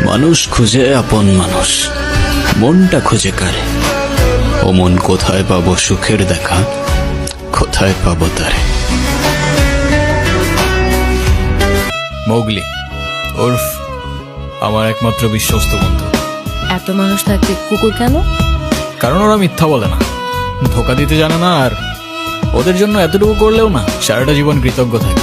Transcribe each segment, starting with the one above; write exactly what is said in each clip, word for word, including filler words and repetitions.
মানুষ খুঁজে আপন মানুষ, মনটা খুঁজে কারে। ও মন কোথায় পাবো সুখের দেখা, কোথায় পাবো তারে। মোগলি ওরফ আমার একমাত্র বিশ্বস্ত বন্ধু। এত মানুষ থাকতে কুকুর কেন? কারণ ওরা মিথ্যা বলে না, ধোকা দিতে জানে না, আর ওদের জন্য এতটুকু করলেও না সারাটা জীবন কৃতজ্ঞ থাকে।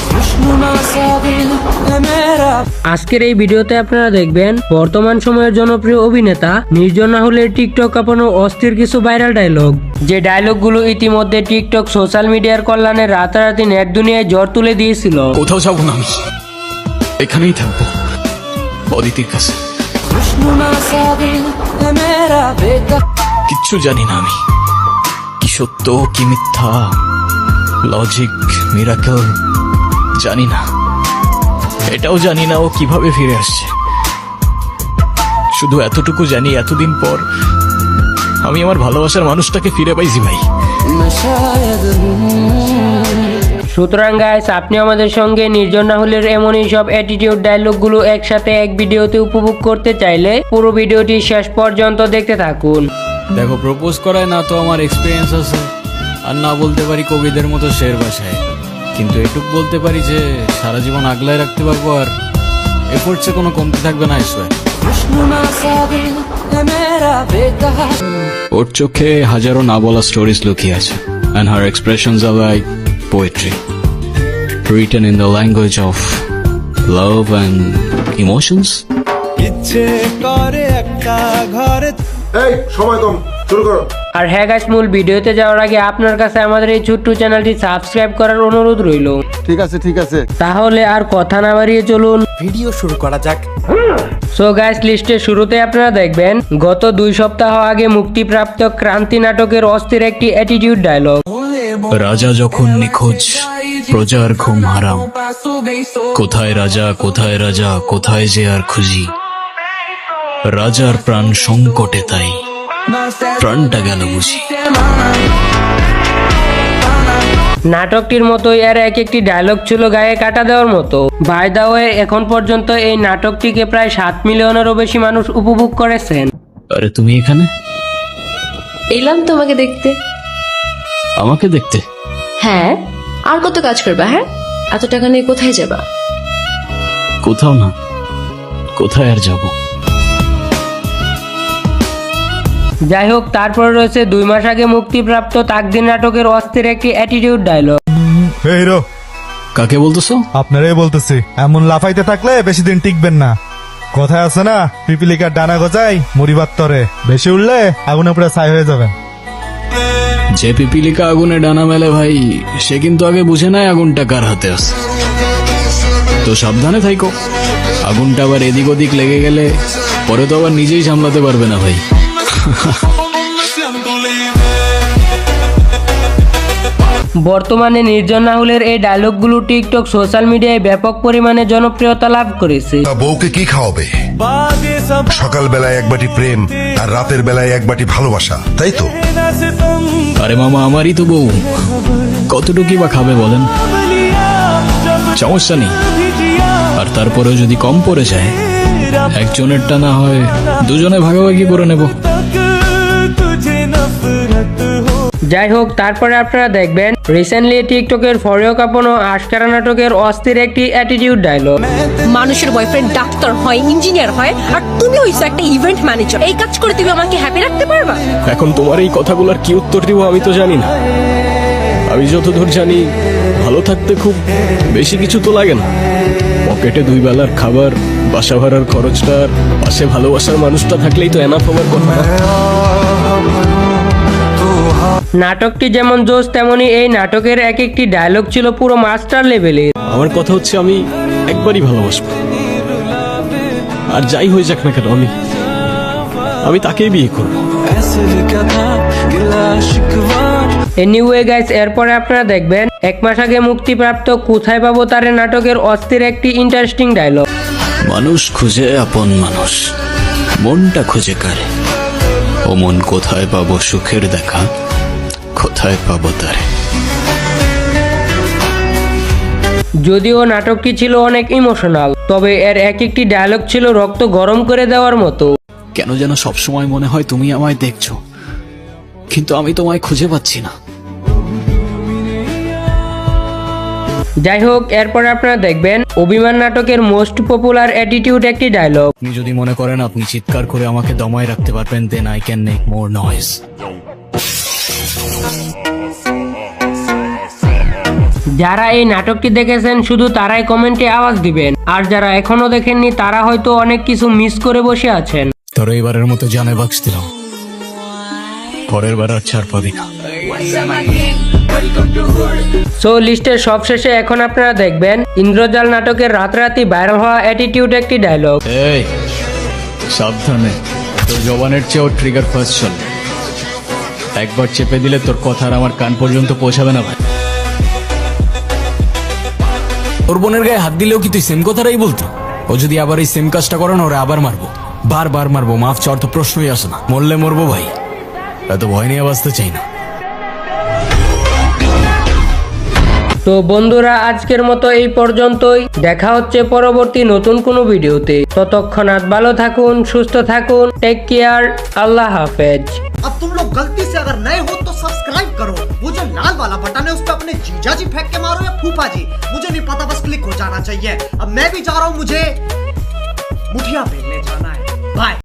আজকের এই ভিডিওতে আপনারা দেখবেন বর্তমান সময়ের জনপ্রিয় অভিনেতা নির্জন রাহুলের টিকটক কাঁপানো অস্থির কিছু ভাইরাল ডায়লগ, যে ডায়লগগুলো ইতিমধ্যে টিকটক সোশ্যাল মিডিয়ার কল্যাণে রাতারাতি নেট দুনিয়ায় জ্বর তুলে দিয়েছিল। কোথাও যাবো না, আমি এখানেই থাকবো অদিতির কাছে। কিচ্ছু জানি না আমি, কি সত্য কি মিথ্যা, লজিক মিরাকল জানি না। এটাও জানি না ও কিভাবে ফিরে আসছে। শুধু এতটুকু জানি এতদিন পর আমি আমার ভালোবাসার মানুষটাকে ফিরে পাইছি ভাই। সুতরাং গাইস, আপনি আমাদের সঙ্গে নির্জন রাহুলের এমনই সব অ্যাটিটিউড ডায়লগগুলো একসাথে এক ভিডিওতে উপভোগ করতে চাইলে পুরো ভিডিওটি শেষ পর্যন্ত দেখতে থাকুন। দেখো, প্রপোজ করায় না তো আমার এক্সপিরিয়েন্স আছে, আর না বলতে পারি কবিদের মতো শের ভাষায়, কিন্তু এটুক বলতে পারি যে সারা জীবন আগলায় রাখতে পারবো, আর এফোর্টসে কোনো কমতি থাকবে না। আইসোয় ওর চোখে হাজারো না বলা স্টোরিজ লুকিয়ে আছে, and her expressions are like poetry written in the language of love and emotions. ইচ্ছে করে একটা ঘরে। এই সময় কম, শুরু করো। আর হ্যাঁ গাইস, মূল ভিডিওতে যাওয়ার আগে আপনার কাছে আমাদের এই ছোট্ট চ্যানেলটি সাবস্ক্রাইব করার অনুরোধ রইল। ঠিক আছে ঠিক আছে তাহলে আর কথা না বাড়িয়ে চলুন ভিডিও শুরু করা যাক। সো গাইস, লিস্টের শুরুতে আপনারা দেখবেন গত দুই সপ্তাহ আগে মুক্তিপ্রাপ্ত ক্রান্তি নাটকের অস্থির একটি অ্যাটিটিউড ডায়লগ। রাজা যখন নিখোঁজ, প্রজার ঘুম হারাম, কোথায় রাজা কোথায় রাজা কোথায় যে আর খুঁজি, রাজার প্রাণ সংকটে তাই প্রাণটা গেল বুঝি। নাটকটির মতোই এর এক একটি ডায়লগ ছিল গায়ে কাটা দেওয়ার মতো। বাই দা ওয়ে, এখন পর্যন্ত এই নাটকটিকে প্রায় সাত মিলিয়নেরও বেশি মানুষ উপভোগ করেছেন। আরে তুমি এখানে? এলাম তোমাকে দেখতে। আমাকে দেখতে? হ্যাঁ, আর কত কাজ করবা? হ্যাঁ, এত টাকা নিয়ে কোথায় যাবা? কোথাও না, কোথায় আর যাব। যাই হোক, তারপরে রয়েছে দুই মাস আগে মুক্তিপ্রাপ্ত তাকদির নাটকের অস্থির একটি অ্যাটিটিউড ডায়লগ। এই হিরো, কাকে বলতেছো? আপনারাই বলতেছি। এমন লাফাইতে থাকলে বেশি দিন টিকবেন না। কথায় আছে না, পিপিলিকার ডানা গজায় মরিবার তরে, বেশি উঠলে আগুনে পুরো ছাই হয়ে যাবেন। যে পিপিলিকা আগুনে ডানা মেলে ভাই, সে কিন্তু আগে বুঝে নাই আগুনটা কার হাতে আছে। তো সাবধানে থাইকো, আগুনটা আবার এদিক ওদিক লেগে গেলে পরে তো আবার নিজেই সামলাতে পারবে না ভাই। বর্তমানে নির্জন রাহুলের এই ডায়লগগুলো টিকটক সোশ্যাল মিডিয়ায় ব্যাপক পরিমাণে জনপ্রিয়তা লাভ করেছে। বউকে কি খাওয়াবে? সকাল বেলায় এক বাটি প্রেম আর রাতের বেলায় এক বাটি ভালোবাসা, তাই তো? আরে মামা, আমারই তো বউ, কতটুকুই বা খাবে বলেন? সমস্যা নেই। আর তারপরেও যদি কম পড়ে যায়, একজনেরটা না হয় দুজনে ভাগাভাগি করে নেব। যাই হোক, তারপরে আপনারা দেখবেন রিসেন্টলি টিকটকের ফরিও কাঁপানো আশকারা নাটকের অস্থির একটি অ্যাটিটিউড ডায়লগ। মানুষের বয়ফ্রেন্ড ডাক্তার হয়, ইঞ্জিনিয়ার হয়, আর তুমি হইছো একটা ইভেন্ট ম্যানেজার। এই কাজ করে তুমি আমাকে হ্যাপি রাখতে পারবা? এখন তোমার এই কথাগুলোর কি উত্তর দিব আমি তো জানি না। আমি যতদূর জানি, ভালো থাকতে খুব বেশি কিছু তো লাগে না। পকেটে দুই বেলার খাবার, বাসা ভাড়ার খরচটা, আর পাশে ভালোবাসার মানুষটা থাকলেই তো এনাফ হবার কথা। নাটকটি যেমন জোশ, তেমনি এই নাটকের এক একটি ডায়লগ ছিল পুরো মাস্টার লেভেলের। আমার কথা হচ্ছে, আমি একবারই ভালোবাসবো, আর যাই হয়ে যাক না কেন আমি আমি তাকেই বিয়ে করব। এনিওয়ে গাইস, এরপরে আপনারা দেখবেন এক মাস আগে মুক্তিপ্রাপ্ত কোথায় পাবো তারে নাটকের অস্থির একটি ইন্টারেস্টিং ডায়লগ। মানুষ খুঁজে আপন মানুষ, মনটা খুঁজে কারে। ও মন কোথায় পাবো সুখের দেখা, কোথায় পাবো তারে। যদিও নাটকটি ছিল অনেক ইমোশনাল, তবে এর এক একটি ডায়লগ ছিল রক্ত গরম করে দেওয়ার মতো। কেন যেন সবসময় মনে হয় তুমি আমায় দেখছো, কিন্তু আমি তোমায় খুঁজে পাচ্ছি না। যাই হোক, এরপর আপনারা দেখবেন অভিমান নাটকের মোস্ট পপুলার অ্যাটিটিউড একটি ডায়লগ। আপনি যদি মনে করেন আপনি চিৎকার করে আমাকে দমায় রাখতে পারবেন, then I can make more noise. যারা এই নাটকটি দেখেছেন শুধু তারাই কমেন্টে আওয়াজ দিবেন, আর যারা এখনো দেখেননি তারা হয়তো অনেক কিছু মিস করে বসে আছেন। তোর এইবারের মতো জানে বাক্স দিলাম, পরের বার আর ছাড় পাবি না। সো লিস্টের সবশেষে এখন আপনারা দেখবেন ইন্দ্রজাল নাটকের রাতারাতি ভাইরাল হওয়া অ্যাটিটিউড একটি ডায়লগ। এই সাবধানে, তোর জবানের চেয়েও ট্রিগার ফার্স্ট চল। একবার চেপে দিলে তোর কথা আর আমার কান পর্যন্ত পৌঁছাবে না ভাই। ওর বোনের গায়ে হাত দিলেও কি তুই সেম কথাটাই বলতো? ও যদি আবার এই সেম কাজটা করে না, ওরে আবার মারবো, বারবার মারবো, মাফ চাওয়ার তো প্রশ্নই আসে না। মরলে মরবো ভাই, এত ভয় নিয়ে বাঁচতে চাই না। তো বন্ধুরা, আজকের মতো এই পর্যন্তই। দেখা হচ্ছে পরবর্তী নতুন কোনো ভিডিওতে। ততক্ষণাৎ ভালো থাকুন, সুস্থ থাকুন, টেক কেয়ার, আল্লাহ হাফেজ। अब तुम लोग गलती से अगर नए हो तो सब्सक्राइब करो, वो जो लाल वाला बटन है उस पर अपने जीजा जी फेंक के मारो या फूफा जी, मुझे नहीं पता, बस क्लिक हो जाना चाहिए। अब मैं भी जा रहा हूँ, मुझे मुठिया फेंकने जाना है। बाय।